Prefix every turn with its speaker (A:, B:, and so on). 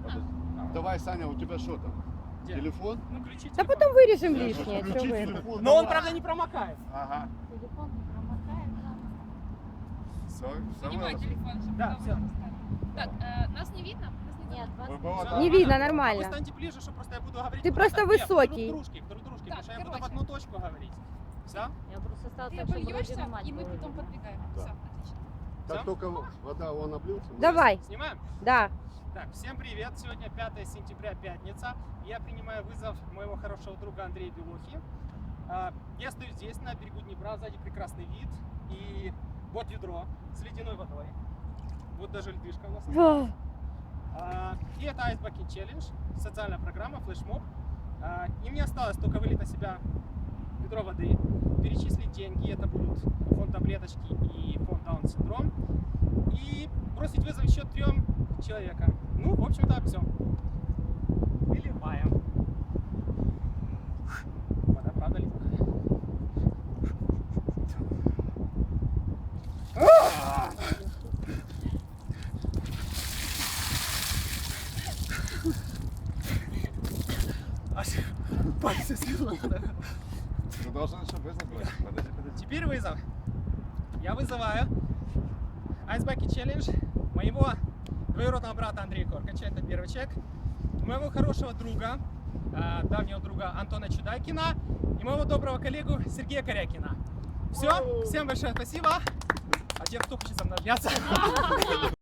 A: Давай, Саня, у тебя что там?
B: Где?
A: Телефон?
B: Ну, ключи
C: Да
B: телефон.
C: потом вырежем
A: Я
C: лишнее,
A: хочу
C: что
A: включить
C: вы.
A: телефон,
B: Но он,
A: давай.
B: правда, не промокает.
A: Ага.
D: Телефон не промокает,
A: Все,
E: Снимай телефон, чтобы
B: Да,
E: потом
B: всё.
E: не достали. Так, нас не видно? Нас не
D: Нет,
E: видно?
D: вас
B: Всё,
C: Не
B: нормально.
C: видно,
B: А вы
C: нормально.
B: станьте ближе, что просто я буду говорить.
C: Ты просто
B: Нет,
C: высокий.
B: Друг дружки, потому
E: Так,
B: что я буду в
E: короче.
B: одну точку говорить. Все?
D: Я просто стала
E: Ты
D: так, чтобы
E: обольешься,
D: вроде мать
E: и мы
D: было
E: потом
D: видно.
E: подбегаем.
A: Да.
E: Все, отлично.
A: Как
B: Всё?
A: только вода он облился, мы-
C: Давай,
B: Снимаем?
C: да.
B: Так, всем привет. Сегодня 5 сентября, пятница. Я принимаю вызов моего хорошего друга Андрея Белухи. Я стою здесь, на берегу Днепра, сзади прекрасный вид. И вот ведро с ледяной водой. Вот даже льдышка у нас.
C: Ах,
B: И это Ice Bucket Challenge, социальная программа, флешмоб. И мне осталось только вылить на себя ведро воды, перечислить деньги, это будут фонд таблеточки и фонд Даун синдром, и бросить вызов еще 3 человекам. Ну, в общем-то, все. Выливаем. Вода, правда, ледяная. Аж пальцы слезут.
A: Ты должен еще вызов брать. Подожди.
B: Теперь вызов. Я вызываю Ice Bucket Challenge моего двоюродного брата Андрея Коркача, это первый человек, моего хорошего друга, давнего друга Антона Чудайкина и моего доброго коллегу Сергея Корякина. Все, всем большое спасибо. А теперь кто хочет со мной обняться?